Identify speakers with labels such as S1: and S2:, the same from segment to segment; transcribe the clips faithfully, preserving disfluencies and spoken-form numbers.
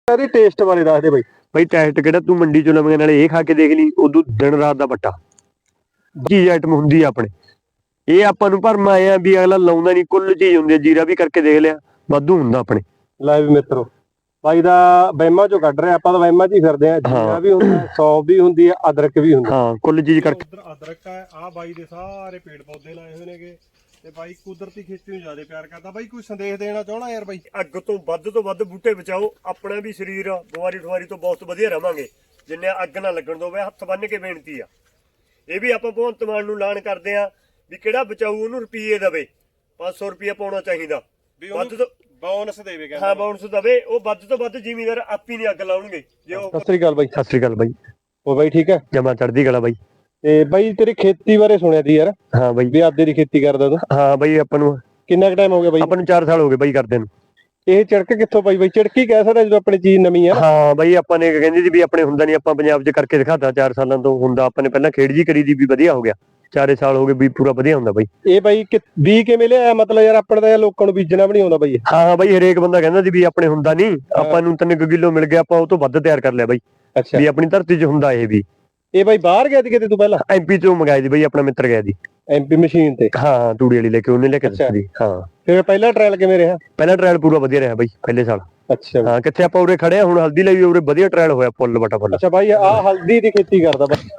S1: ਇਹਦੇ ਟੇਸਟ ਬਾਰੇ ਦੱਸ ਦੇ ਬਾਈ।
S2: ਬਾਈ ਟੈਸਟ ਕਿਹੜਾ ਤੂੰ ਮੰਡੀ ਚੋਂ ਲਵੇਂਗੇ, ਨਾਲੇ ਇਹ ਖਾ ਕੇ ਦੇਖ ਲਈ, ਉਦੋਂ ਦਿਨ ਰਾਤ ਦਾ ਵੱਟਾ ਚੀਜ਼ ਆਈਟਮ ਹੁੰਦੀ ਆ ਆਪਣੇ। ਇਹ ਆਪਾਂ ਨੂੰ ਭਰਮ ਆਏ ਆ ਵੀ ਅਗਲਾ ਲਾਉਂਦਾ ਨਹੀਂ, ਕੁੱਲ ਚੀਜ਼ ਹੁੰਦੀ ਆ। ਜੀਰਾ ਵੀ ਕਰਕੇ ਦੇਖ ਲਿਆ, ਵਾਧੂ ਹੁੰਦਾ ਆਪਣੇ।
S1: ਲੈ ਵੀ ਮਿੱਤਰੋ, ਬਾਈ ਦਾ ਵਹਿਮਾਂ ਚੋਂ ਕੱਢ ਰਿਹਾ, ਆਪਾਂ ਤਾਂ ਵਹਿਮਾਂ 'ਚ ਹੀ ਫਿਰਦੇ ਆ। ਜੀਰਾ ਵੀ ਹੁੰਦਾ, ਸੌਂਫ ਵੀ ਹੁੰਦੀ ਆ, ਅਦਰਕ ਵੀ ਹੁੰਦਾ।
S2: ਹਾਂ, ਕੁੱਲ ਚੀਜ਼ ਕਰਕੇ।
S1: ਉਧਰ ਅਦਰਕ ਆ, ਆ ਬਾਈ ਦੇ ਸਾਰੇ ਪੇੜ ਪੌਦੇ ਲਾਏ ਹੋਏ ਨੇਗੇ ਤੇ ਬਾਈ ਕੁਦਰਤੀ ਖੇਤੀ ਨੂੰ ਜ਼ਿਆਦਾ ਪਿਆਰ ਕਰਦਾ। ਬਾਈ ਕੋਈ ਸੰਦੇਸ਼ ਦੇਣਾ ਚਾਹਣਾ ਯਾਰ ਬਾਈ?
S2: ਅੱਗ ਤੋਂ ਵੱਧ ਤੋਂ ਵੱਧ ਬੂਟੇ ਬਚਾਓ, ਆਪਣਾ ਵੀ ਸਰੀਰ ਬਿਮਾਰੀ ਠਵਾਰੀ ਤੋਂ ਬਹੁਤ ਵਧੀਆ ਰਵਾਂਗੇ। ਜਿੰਨੇ ਅੱਗ ਨਾ ਲੱਗਣ ਦੋਵੇ, ਹੱਥ ਬੰਨ ਕੇ ਬੇਨਤੀ ਆ। ਇਹ ਵੀ ਆਪਾਂ ਭਗਵੰਤ ਮਾਨ ਨੂੰ ਐਲਾਨ ਕਰਦੇ ਆ ਵੀ ਕਿਹੜਾ ਬਚਾਊ ਉਹਨੂੰ ਰੁਪਈਏ ਦੇਵੇ, ਪੰਜ ਸੌ ਰੁਪਈਆ ਪਾਉਣਾ ਚਾਹੀਦਾ ਵੱਧ ਤੋਂ।
S1: ਬੋਨਸ ਦੇਵੇ,
S2: ਹਾਂ ਬੋਨਸ ਦੇਵੇ। ਉਹ ਵੱਧ ਤੋਂ ਵੱਧ ਜ਼ਿਮੀਂਦਾਰ ਆਪੀ ਨਹੀਂ ਅੱਗ ਲਾਉਣਗੇ ਜੇ ਉਹ।
S1: ਸਤਿ ਸ੍ਰੀ ਅਕਾਲ ਬਾਈ।
S2: ਸਤਿ ਸ੍ਰੀ ਅਕਾਲ ਬਾਈ।
S1: ਉਹ ਬਾਈ ਠੀਕ ਹੈ?
S2: ਜਮਾ ਚੜ੍ਹਦੀ ਕਲਾ ਬਾਈ।
S1: ਤੇ ਬਾਈ ਤੇਰੀ ਖੇਤੀ ਬਾਰੇ ਸੁਣਿਆ ਸੀ ਯਾਰ।
S2: ਹਾਂ ਬਾਈ,
S1: ਵੀ ਆਦੇ ਦੀ ਖੇਤੀ ਕਰਦਾ ਤੂੰ?
S2: ਹਾਂ ਬਾਈ, ਆਪਾਂ ਨੂੰ
S1: ਕਿੰਨਾ ਕੁ ਟਾਈਮ ਹੋ ਗਿਆ ਬਾਈ?
S2: ਆਪਾਂ ਨੂੰ ਚਾਰ ਸਾਲ ਹੋ ਗਏ ਬਾਈ ਕਰਦੇ ਨੂੰ।
S1: ਇਹ ਚੜਕ ਕਿੱਥੋਂ ਪਾਈ ਬਾਈ? ਚੜਕੀ ਕਹਿ ਸਕਦਾ ਜਦੋਂ ਆਪਣੀ ਚੀਜ਼ ਨਵੀਂ ਆ।
S2: ਹਾਂ ਬਾਈ, ਆਪਾਂ ਨੇ ਕਹਿੰਦੇ ਸੀ ਵੀ ਆਪਣੇ ਹੁੰਦਾ ਨਹੀਂ, ਆਪਾਂ ਪੰਜਾਬ 'ਚ ਕਰਕੇ ਦਿਖਾਤਾ ਚਾਰ ਸਾਲਾਂ ਤੋਂ ਹੁੰਦਾ। ਆਪਾਂ ਨੇ ਪਹਿਲਾਂ ਖੇਡ ਜੀ ਕਰੀ ਦੀ ਵੀ ਵਧੀਆ ਹੋ ਗਿਆ, ਚਾਰੇ ਸਾਲ ਹੋ ਗਏ ਵੀ ਪੂਰਾ ਵਧੀਆ ਹੁੰਦਾ ਬਾਈ।
S1: ਇਹ ਬਾਈ ਬੀ ਕਿਵੇਂ ਲਿਆ? ਮਤਲਬ ਯਾਰ ਆਪਣੇ ਤਾਂ ਲੋਕਾਂ ਨੂੰ ਬੀਜਣਾ ਵੀ ਨਹੀਂ ਆਉਂਦਾ ਬਾਈ।
S2: ਹਾਂ ਹਾਂ ਬਾਈ, ਹਰੇਕ ਬੰਦਾ ਕਹਿੰਦਾ ਸੀ ਵੀ ਆਪਣੇ ਹੁੰਦਾ ਨਹੀਂ, ਆਪਾਂ ਨੂੰ ਤਿੰਨ ਕਿਲੋ ਮਿਲ ਗਿਆ, ਆਪਾਂ ਉਹ ਤੋਂ ਵੱਧ ਤਿਆਰ ਕਰ ਲਿਆ ਬਾਈ।
S1: ਅੱਛਾ,
S2: ਵੀ ਆਪਣੀ ਧਰਤੀ 'ਚ ਹੁੰਦਾ ਇਹ ਵੀ।
S1: ਇਹ ਬਾਈ ਬਾਹਰ ਗਿਆ ਸੀ ਕਿਤੇ ਤੂੰ ਪਹਿਲਾਂ?
S2: ਐਮਪੀ ਤੋਂ ਮੰਗਾਈ ਦੀ ਬਾਈ, ਆਪਣਾ ਮਿੱਤਰ ਗਿਆ ਦੀ
S1: ਐਮਪੀ ਮਸ਼ੀਨ ਤੇ।
S2: ਹਾਂ, ਤੂੜੀ ਵਾਲੀ ਲੈ ਕੇ ਉਹਨੇ ਲੈ ਕੇ ਦਿੱਤੀ। ਹਾਂ,
S1: ਫਿਰ ਪਹਿਲਾ ਟ੍ਰਾਇਲ ਕਿਵੇਂ ਰਿਹਾ?
S2: ਪਹਿਲਾ ਟ੍ਰਾਇਲ ਪੂਰਾ ਵਧੀਆ ਰਿਹਾ ਬਾਈ ਪਹਿਲੇ ਸਾਲ।
S1: ਅੱਛਾ
S2: ਹਾਂ, ਕਿੱਥੇ ਆਪਾਂ ਉਰੇ ਖੜੇ ਆ ਹੁਣ, ਹਲਦੀ ਲਈ ਉਰੇ ਵਧੀਆ ਟ੍ਰਾਇਲ ਹੋਇਆ, ਫੁੱਲ ਬਟਾ ਫੁੱਲ।
S1: ਅੱਛਾ ਬਾਈ, ਆਹ ਹਲਦੀ ਦੀ ਖੇਤੀ ਕਰਦਾ ਬਾਈ।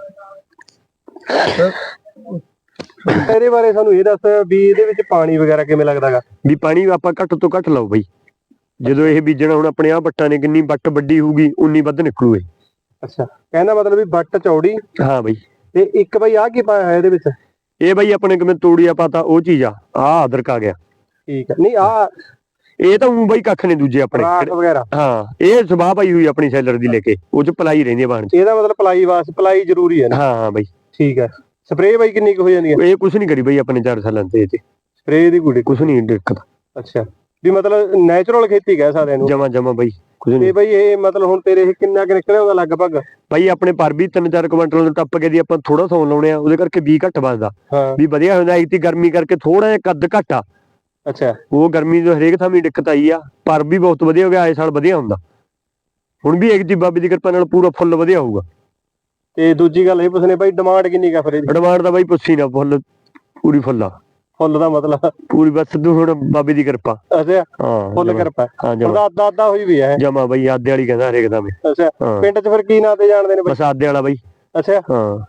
S1: ਇਹਦੇ ਬਾਰੇ ਸਾਨੂੰ ਇਹ ਦੱਸ ਵੀ ਇਹਦੇ ਵਿੱਚ ਪਾਣੀ ਵਗੈਰਾ ਕਿਵੇਂ ਲੱਗਦਾਗਾ?
S2: ਵੀ ਪਾਣੀ ਆਪਾਂ ਘੱਟ ਤੋਂ ਘੱਟ ਲਾਓ ਬਾਈ। ਜਦੋਂ ਇਹ ਬੀਜਣਾ ਹੁਣ ਆਪਣੇ ਆ ਬੱਟਾਂ ਨੇ, ਕਿੰਨੀ ਬੱਟ ਵੱਡੀ ਹੋਊਗੀ ਉਨੀ ਵੱਧ ਨਿਕਲੂ ਇਹ।
S1: ਅੱਛਾ, ਕਹਿੰਦਾ ਮਤਲਬ ਵੀ ਬੱਟ ਚੌੜੀ।
S2: ਹਾਂ ਬਾਈ।
S1: ਤੇ ਇੱਕ ਬਾਈ ਆਹ ਕੀ ਪਾਇਆ ਹੋਇਆ ਇਹਦੇ ਵਿੱਚ?
S2: ਇਹ ਬਾਈ ਆਪਣੇ ਕਿਵੇਂ ਤੋੜੀਆ ਪਾਤਾ ਉਹ ਚੀਜ਼ ਆ, ਆਹ ਅਦਰਕ ਆ ਗਿਆ।
S1: ਠੀਕ ਹੈ। ਨਹੀਂ ਆਹ
S2: ਇਹ ਤਾਂ ਉਹ ਬਾਈ ਕੱਖ ਨੇ ਦੂਜੇ ਆਪਣੇ
S1: ਵਗੈਰਾ।
S2: ਹਾਂ, ਇਹ ਸਵਾਹ ਪਾਈ ਹੋਈ ਆਪਣੀ ਸੈਲਰ ਦੀ ਲੈ ਕੇ, ਉਹ ਚ ਪਲਾਈ ਰਹਿੰਦੀ ਆ ਬਾਣ ਚ।
S1: ਇਹਦਾ ਮਤਲਬ ਪਲਾਈ ਵਾਸ ਪਲਾਈ ਜ਼ਰੂਰੀ ਹੈ ਨਾ?
S2: ਹਾਂ ਹਾਂ ਬਾਈ।
S1: ਠੀਕ ਹੈ। ਸਪਰੇਅ ਬਾਈ ਕਿੰਨੀ ਕੁ ਹੋ ਜਾਂਦੀ ਹੈ?
S2: ਇਹ ਕੁਛ ਨਹੀਂ ਕਰੀ ਬਾਈ ਆਪਣੇ ਚਾਰ ਸਾਲਾਂ ਤੇ, ਇਹ ਚ
S1: ਸਪਰੇਅ ਦੀ ਕੁੜੀ
S2: ਕੁਛ ਨਹੀਂ ਦਿੱਕਤ।
S1: ਅੱਛਾ, ਵੀ ਮਤਲਬ ਨੈਚੁਰਲ ਖੇਤੀ ਕਹਿ ਸਕਦੇ ਇਹਨੂੰ?
S2: ਜਮਾ ਜਮਾ ਬਾਈ, ਕੁਛ
S1: ਤੇ
S2: ਨਹੀਂ।
S1: ਬਾਈ ਇਹ ਮਤਲਬ ਹੁਣ ਤੇਰੇ ਇਹ ਕਿੰਨਾ ਕੁ ਨਿਕਲਿਆ ਉਹਦਾ ਲਗਭਗ?
S2: ਬਾਈ ਆਪਣੇ ਪਰ ਵੀ ਤਿੰਨ ਚਾਰ ਕੁਇੰਟਲ ਨੂੰ ਟੱਪ ਕੇ ਦੀ ਆਪਾਂ ਥੋੜਾ ਸੌਣ ਲਾਉਣੇ ਆ, ਉਹਦੇ ਕਰਕੇ ਵੀਹ ਘੱਟ ਵੱਜਦਾ।
S1: ਹਾਂ
S2: ਵੀ ਵਧੀਆ ਹੁੰਦਾ। ਇੱਕ ਗਰਮੀ ਕਰਕੇ ਥੋੜਾ ਜਿਹਾ ਕੱਦ ਘੱਟ ਆ।
S1: ਅੱਛਾ,
S2: ਉਹ ਗਰਮੀ ਤੋਂ ਹਰੇਕ ਥਾਂ ਵੀ ਦਿੱਕਤ ਆਈ ਆ, ਪਰ ਵੀ ਬਹੁਤ ਵਧੀਆ ਹੋ ਗਿਆ, ਆਏ ਸਾਲ ਵਧੀਆ ਹੁੰਦਾ। ਹੁਣ ਵੀ ਇੱਕ ਜੀ ਬਾਬੇ ਦੀ ਕਿਰਪਾ ਨਾਲ ਪੂਰਾ ਫੁੱਲ ਵਧੀਆ ਹੋਊਗਾ।
S1: ਤੇ ਦੂਜੀ ਗੱਲ ਇਹ ਪੁੱਛਣੇ ਬਾਈ, ਡਿਮਾਂਡ ਕਿੰਨੀ ਕਾ ਫਿਰ ਇਹਦੀ?
S2: ਡਿਮਾਂਡ ਦਾ ਬਾਈ ਪੁੱਛੀ ਨਾ, ਫੁੱਲ ਪੂਰੀ ਫੁੱਲ ਆ।
S1: ਫੁੱਲ ਦਾ ਮਤਲਬ
S2: ਪੂਰੀ ਬਸ ਤੂੰ ਹੁਣ ਬਾਬੇ ਦੀ ਕਿਰਪਾ।
S1: ਅੱਛਾ,
S2: ਹਾਂ
S1: ਫੁੱਲ ਕਿਰਪਾ।
S2: ਹਾਂ ਜਮਾ
S1: ਉਹਦਾ ਅੱਧਾ ਅੱਧਾ ਹੋਈ ਵੀ ਹੈ।
S2: ਜਮਾ ਬਾਈ, ਆਦੇ ਵਾਲੀ ਕਹਿੰਦਾ ਹਰੇਕ ਦਾ।
S1: ਅੱਛਾ,
S2: ਹਾਂ,
S1: ਪਿੰਡ 'ਚ ਫਿਰ ਕੀ ਨਾਂ ਤੇ ਜਾਣਦੇ ਨੇ ਬਾਈ?
S2: ਬਸ ਆਦੇ ਵਾਲਾ ਬਾਈ।
S1: ਅੱਛਾ
S2: ਹਾਂ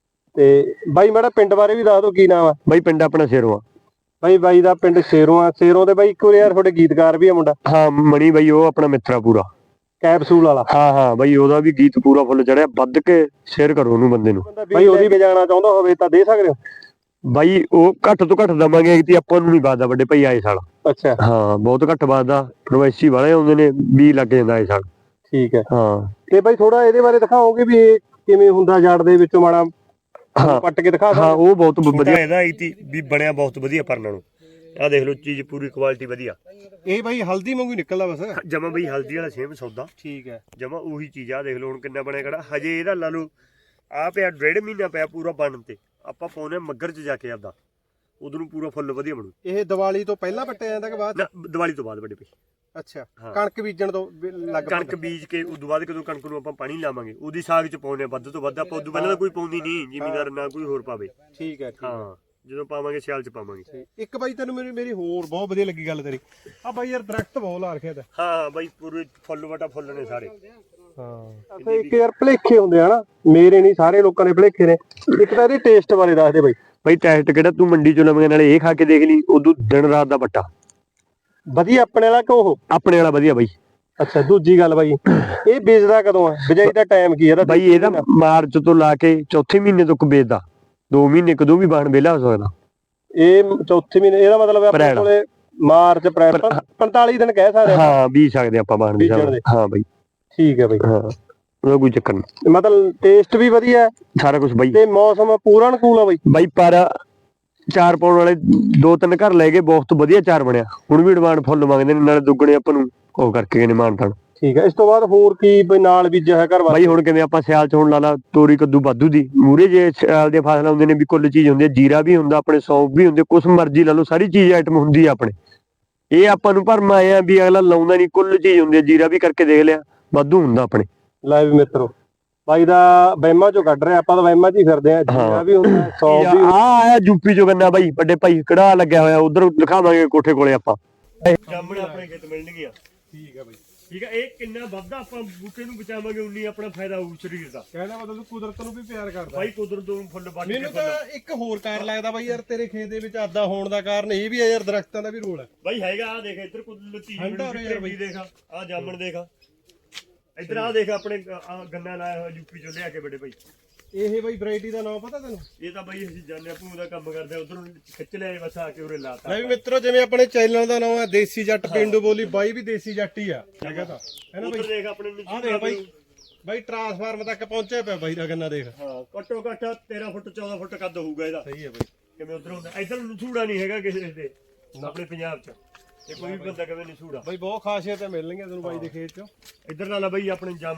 S1: ਤੇ ਬਾਈ ਮਾੜਾ ਪਿੰਡ ਬਾਰੇ ਵੀ ਦੱਸ ਦਿਓ, ਕੀ ਨਾਮ ਆ
S2: ਬਾਈ? ਪਿੰਡ ਆਪਣਾ ਸ਼ੇਰੋਂ ਆ
S1: ਬਾਈ। ਬਾਈ ਦਾ ਪਿੰਡ ਸ਼ੇਰੋਂ ਆ। ਸ਼ੇਰੋਂ ਦੇ ਬਾਈ ਇੱਕ ਵਾਰ ਯਾਰ ਤੁਹਾਡੇ ਗੀਤਕਾਰ ਵੀ ਆ ਮੁੰਡਾ।
S2: ਹਾਂ, ਮਣੀ ਬਾਈ, ਉਹ ਆਪਣਾ ਮਿੱਤਰਾ ਪੂਰਾ
S1: ਕੈਪਸੂਲ ਵਾਲਾ।
S2: ਹਾਂ ਹਾਂ ਬਾਈ, ਉਹਦਾ ਵੀ ਗੀਤ ਪੂਰਾ ਫੁੱਲ ਚੜਿਆ। ਵੱਧ ਕੇ ਸ਼ੇਅਰ ਕਰੋ ਉਹਨੂੰ ਬੰਦੇ ਨੂੰ
S1: ਬਾਈ। ਉਹਦੀ ਵੀ ਜਾਣਾ ਚਾਹੁੰਦਾ ਹੋਵੇ ਤਾਂ ਦੇ ਸਕਦੇ ਹੋ
S2: ਬਾਈ। ਉਹ ਘੱਟ ਤੋਂ ਘੱਟ ਦਵਾਂਗੇ ਕਿ ਆਪਾਂ ਨੂੰ ਨਹੀਂ ਵੱਧਦਾ ਵੱਡੇ ਭਾਈ ਆਏ ਸਾਲ।
S1: ਅੱਛਾ,
S2: ਹਾਂ, ਬਹੁਤ ਘੱਟ ਵੱਧਦਾ। ਪ੍ਰਵਾਸੀ ਵਾਲੇ ਆਉਂਦੇ ਨੇ, ਵੀਹ ਲੱਗ ਜਾਂਦਾ ਆਏ ਸਾਲ।
S1: ਠੀਕ ਹੈ।
S2: ਹਾਂ
S1: ਤੇ ਬਾਈ ਥੋੜਾ ਇਹਦੇ ਬਾਰੇ ਦਿਖਾਓਗੇ ਵੀ ਇਹ ਕਿਵੇਂ ਹੁੰਦਾ ਜੜ ਦੇ ਵਿੱਚੋਂ, ਮਾੜਾ
S2: ਹਾਂ
S1: ਪੱਟ ਕੇ ਦਿਖਾ
S2: ਹਾਂ, ਉਹ ਬਹੁਤ ਵਧੀਆ ਇਹਦਾ ਆਈਤੀ ਵੀ ਬਣਿਆ ਬਹੁਤ ਵਧੀਆ ਪਰਨਾਂ ਨੂੰ। ਆਹ ਦੇਖ ਲਓ, ਚੀਜ਼ ਪੂਰੀ ਕੁਆਲਿਟੀ ਵਧੀਆ।
S1: ਇਹ ਬਾਈ ਹਲਦੀ ਵਾਂਗੂ ਨਿਕਲਦਾ ਬਸ।
S2: ਜਮਾ ਬਈ ਹਲਦੀ ਵਾਲਾ ਸੇਮ ਸੌਦਾ।
S1: ਠੀਕ ਹੈ।
S2: ਜਮਾ ਉਹੀ ਚੀਜ਼ ਆ। ਦੇਖ ਲਓ ਹੁਣ ਕਿੰਨਾ ਬਣਿਆ ਖੜਾ। ਹਜੇ ਇਹਦਾ ਲਾ ਲਓ ਆ ਪਿਆ ਡੇਢ ਮਹੀਨਾ ਪਿਆ ਪੂਰਾ ਬਣਨ ਤੇ। ਆਪਾਂ ਪਾਉਨੇ ਮੱਗਰ 'ਚ ਜਾ ਕੇ ਆਪਦਾ, ਉਦੋਂ ਨੂੰ ਪੂਰਾ ਫੁੱਲ ਵਧੀਆ ਬਣੂ।
S1: ਇਹ ਦੀਵਾਲੀ ਤੋਂ ਪਹਿਲਾਂ ਪੱਟਿਆ ਜਾਂਦਾ ਕਿ ਬਾਅਦ?
S2: ਨਾ, ਦੀਵਾਲੀ ਤੋਂ ਬਾਅਦ ਵੱਡੇ ਭਾਈ।
S1: ਅੱਛਾ, ਕਣਕ ਬੀਜਣ ਤੋਂ ਲੱਗ
S2: ਕਣਕ ਬੀਜ ਕੇ ਉਦੋਂ ਬਾਅਦ ਕਦੋਂ ਕਣਕ ਨੂੰ ਆਪਾਂ ਪਾਣੀ ਲਾਵਾਂਗੇ, ਉਹਦੀ ਸਾਗ 'ਚ ਪਾਉਨੇ ਵੱਧ ਤੋਂ ਵੱਧ। ਆਪਾਂ ਉਦੋਂ ਪਹਿਲਾਂ ਤਾਂ ਕੋਈ ਪਾਉਂਦੀ ਨਹੀਂ ਜ਼ਿਮੀਦਾਰ, ਨਾ ਕੋਈ ਹੋਰ ਪਾਵੇ।
S1: ਠੀਕ ਹੈ।
S2: ਹਾਂ, ਜਦੋਂ ਪਾਵਾਂਗੇ ਸਿਆਲ 'ਚ ਪਾਵਾਂਗੇ।
S1: ਇੱਕ ਬਾਈ ਤੈਨੂੰ ਮੇਰੀ ਮੇਰੀ ਹੋਰ ਬਹੁਤ ਵਧੀਆ ਲੱਗੀ ਗੱਲ ਤੇਰੀ, ਆ ਬਾਈ ਯਾਰ ਦਰਖਤ ਬਹੁਤ ਲਾ ਰੱਖਿਆ।
S2: ਹਾਂ ਹਾਂ ਬਾਈ, ਪੂਰੇ ਫੁੱਲ ਵਟਾ ਫੁੱਲ ਨੇ ਸਾਰੇ।
S1: ਹਾਂ, ਇੱਕ ਯਾਰ ਭਲੇਖੇ ਹੁੰਦੇ ਆ ਨਾ, ਮੇਰੇ ਨਹੀਂ ਸਾਰੇ ਲੋਕਾਂ ਦੇ ਭਲੇਖੇ ਨੇ। ਇੱਕ ਤਾਂ ਇਹਦੇ ਟੇਸਟ ਬਾਰੇ ਦੱਸ ਦੇ ਬਾਈ।
S2: ਬਾਈ ਟੈਸਟ ਕਿਹੜਾ ਤੂੰ ਮੰਡੀ 'ਚੋਂ ਲਵੇਂਗੇ, ਨਾਲੇ ਇਹ ਖਾ ਕੇ ਦੇਖ ਲਈ, ਉਦੋਂ ਦਿਨ ਰਾਤ ਦਾ ਵੱਟਾ
S1: ਵਧੀਆ। ਆਪਣੇ ਵਾਲਾ ਕਿ ਉਹ?
S2: ਆਪਣੇ ਵਾਲਾ ਵਧੀਆ ਬਾਈ।
S1: ਅੱਛਾ, ਦੂਜੀ ਗੱਲ ਬਾਈ, ਇਹ ਬੀਜਦਾ ਕਦੋਂ ਆ? ਬਿਜਾਈ ਦਾ ਟਾਈਮ ਕੀ ਇਹਦਾ?
S2: ਬਾਈ ਇਹਦਾ ਮਾਰਚ ਤੋਂ ਲਾ ਕੇ ਚੌਥੇ ਮਹੀਨੇ ਤੱਕ ਵੇਚਦਾ। ਦੋ ਮਹੀਨੇ ਕਦੋਂ ਵੀ ਬਾਣ ਵਿਹਲਾ ਹੋ ਸਕਦਾ।
S1: ਇਹ ਚੌਥੇ ਮਹੀਨੇ, ਇਹਦਾ ਮਤਲਬ ਆਪਣੇ ਕੋਲੇ ਮਾਰਚ ਅਪ੍ਰੈਲ ਪੰਤਾਲੀ ਦਿਨ ਕਹਿ ਸਕਦੇ
S2: ਹਾਂ, ਬੀਜ ਸਕਦੇ ਆਪਾਂ ਬਾਣ ਵੀ। ਹਾਂ ਬਾਈ,
S1: ਠੀਕ ਹੈ ਬਾਈ।
S2: ਹਾਂ, ਉਹਦਾ ਕੋਈ ਚੱਕਰ ਨਹੀਂ।
S1: ਮਤਲਬ ਟੇਸਟ ਵੀ ਵਧੀਆ
S2: ਸਾਰਾ ਕੁਝ ਬਾਈ।
S1: ਤੇ ਮੌਸਮ ਪੂਰਾ ਅਨੁਕੂਲ ਆ ਬਾਈ?
S2: ਬਾਈ ਪਰ ਚਾਰ ਪਾਉਣ ਵਾਲੇ ਦੋ ਤਿੰਨ ਘਰ ਲੈ ਗਏ, ਬਹੁਤ ਵਧੀਆ ਚਾਰ ਬਣਿਆ। ਹੁਣ ਵੀ ਡਿਮਾਂਡ ਫੁੱਲ ਮੰਗਦੇ ਨੇ, ਨਾਲੇ ਦੁੱਗਣੇ ਆਪਾਂ ਨੂੰ ਉਹ ਕਰਕੇ ਗਏ ਨੇ ਮਾਨ ਤਾਨ।
S1: ਠੀਕ ਹੈ। ਇਸ ਤੋਂ ਬਾਅਦ ਹੋਰ ਕੀ ਬਈ ਨਾਲ ਬੀਜਿਆ ਹੈ ਘਰ ਵਾਸਤੇ?
S2: ਬਾਈ ਹੁਣ ਕਿਵੇਂ ਆਪਾਂ ਸਿਆਲ 'ਚ ਹੁਣ ਲਾ ਲਾ ਤੋਰੀ ਕੱਦੂ ਵਾਧੂ ਦੀ ਮੂਰੇ, ਜੇ ਸਿਆਲ ਦੀਆਂ ਫਸਲਾਂ ਹੁੰਦੇ ਨੇ ਵੀ ਕੁੱਲ ਚੀਜ਼ ਹੁੰਦੀ ਹੈ। ਜੀਰਾ ਵੀ ਹੁੰਦਾ ਆਪਣੇ, ਸੌਂਫ ਵੀ ਹੁੰਦੇ, ਕੁਛ ਮਰਜ਼ੀ ਲਾ ਲਓ, ਸਾਰੀ ਚੀਜ਼ ਆਈਟਮ ਹੁੰਦੀ ਆ ਆਪਣੇ। ਇਹ ਆਪਾਂ ਨੂੰ ਭਰਮ ਆਏ ਆ ਵੀ ਅਗਲਾ ਲਾਉਂਦਾ ਨਹੀਂ, ਕੁੱਲ ਚੀਜ਼ ਹੁੰਦੀ ਹੈ। ਜੀਰਾ ਵੀ ਕਰਕੇ ਦੇਖ ਲਿਆ, ਵਾਧੂ ਹੁੰਦਾ ਆਪਣੇ।
S1: ਲੈ ਵੀ ਮਿੱਤਰੋ ਬਾਈ ਦਾ ਵਹਿਮਾਂ ਚੋਂ ਕੱਢ ਰਿਹਾ, ਆਪਾਂ ਤਾਂ ਵਹਿਮਾਂ 'ਚ ਹੀ ਫਿਰਦੇ ਆ। ਜੀਰਾ ਵੀ ਹੁੰਦਾ, ਸੌ ਵੀ
S2: ਆ ਆਇਆ ਯੂਪੀ ਚੋਂ ਗੰਨਾ ਬਾਈ, ਵੱਡੇ ਭਾਈ ਕੜਾ ਲੱਗਿਆ ਹੋਇਆ, ਉਧਰ ਦਿਖਾਵਾਂਗੇ ਕੋਠੇ ਕੋਲੇ ਆਪਾਂ। ਜਾਮਣ ਆਪਣੇ ਖੇਤ ਮਿਲਣਗੀਆਂ।
S1: ਠੀਕ ਆ ਬਾਈ,
S2: ਠੀਕ ਆ। ਇਹ ਕਿੰਨਾ ਵੱਧਦਾ ਆਪਾਂ ਬੂਟੇ ਨੂੰ ਬਚਾਵਾਂਗੇ ਉਨੀ ਆਪਣਾ ਫਾਇਦਾ ਹੋਊ ਸਰੀਰ ਦਾ।
S1: ਕਹਿਣਾ ਮਤਲਬ ਤੂੰ ਕੁਦਰਤ ਨੂੰ ਵੀ ਪਿਆਰ ਕਰਦਾ
S2: ਬਾਈ ਕੁਦਰਤ ਨੂੰ ਫੁੱਲ ਵੱਢ ਕੇ
S1: ਮੈਨੂੰ ਤਾਂ ਇੱਕ ਹੋਰ ਕਾਰਨ ਲੱਗਦਾ ਬਾਈ ਯਾਰ, ਤੇਰੇ ਖੇਤ ਦੇ ਵਿੱਚ ਆਦਾ ਹੋਣ ਦਾ ਕਾਰਨ ਇਹ ਵੀ ਹੈ ਯਾਰ, ਦਰਖਤਾਂ ਦਾ ਵੀ ਰੋਲ ਹੈ
S2: ਬਾਈ ਹੈਗਾ। ਆ ਦੇਖ ਇੱਧਰ ਕੁਦਰਤੀ
S1: ਠੰਡਾ ਹੋ ਰਿਹਾ ਯਾਰ ਬਾਈ।
S2: ਦੇਖ ਆ ਜਾਮਣ ਦੇਖ, ਇੱਧਰ ਆ ਦੇਖ ਆਪਣੇ ਆਹ ਗੰਨਾ ਲਾਇਆ ਹੋਇਆ ਯੂਪੀ ਚੋਂ ਲਿਆ ਕੇ ਵੱਡੇ ਭਾਈ।
S1: ਇਹ ਬਾਈ ਵੈਰਾਈਟੀ ਦਾ ਨਾਮ ਪਤਾ ਤੈਨੂੰ?
S2: ਇਹ ਤਾਂ ਬਾਈ ਅਸੀਂ ਜਾਣਦੇ ਆ, ਭੂ ਦਾ ਕੰਮ ਕਰਦੇ ਉਧਰੋਂ ਖਿੱਚ ਲਿਆ ਬਸ ਆ ਕੇ ਉਰੇ ਲਾਤਾ।
S1: ਲੈ ਵੀ ਮਿੱਤਰੋ ਜਿਵੇਂ ਆਪਣੇ ਚੈਨਲ ਦਾ ਨਾਮ ਹੈ ਦੇਸੀ ਜੱਟ ਪਿੰਡੂ ਬੋਲੀ, ਬਾਈ ਵੀ ਦੇਸੀ ਜੱਟ ਹੀ ਆ। ਹੈਗਾ ਤਾਂ ਹੈ ਨਾ
S2: ਉਧਰ
S1: ਬਾਈ?
S2: ਦੇਖ ਆਪਣੇ
S1: ਆ ਦੇਖ ਬਾਈ, ਬਾਈ ਟਰਾਂਸਫਾਰਮ ਤੱਕ ਪਹੁੰਚਿਆ ਪਿਆ ਬਾਈ ਦਾ ਗੰਨਾ ਦੇਖ।
S2: ਹਾਂ ਘੱਟੋ ਘੱਟ ਤੇਰਾਂ ਫੁੱਟ ਚੌਦਾਂ ਫੁੱਟ ਕੱਦ ਹੋਊਗਾ ਇਹਦਾ।
S1: ਸਹੀ ਹੈ ਬਾਈ।
S2: ਕਿਵੇਂ ਉਧਰ ਹੁੰਦਾ, ਇੱਧਰ ਨਸੂੜਾ ਨਹੀਂ ਹੈਗਾ ਕਿਸੇ ਦੇ ਆਪਣੇ ਪੰਜਾਬ 'ਚ, ਤੇ ਕੋਈ ਵੀ ਬੰਦਾ ਕਿਵੇਂ ਨਸੂੜਾ।
S1: ਬਾਈ ਬਹੁਤ ਖਾਸੀਅਤਾਂ ਮਿਲਣਗੀਆਂ ਤੈਨੂੰ ਬਾਈ ਦੇ ਖੇਤ 'ਚੋਂ।
S2: ਇੱਧਰ ਨਾਲ ਬਾਈ ਆਪਣੇ ਜਾਮ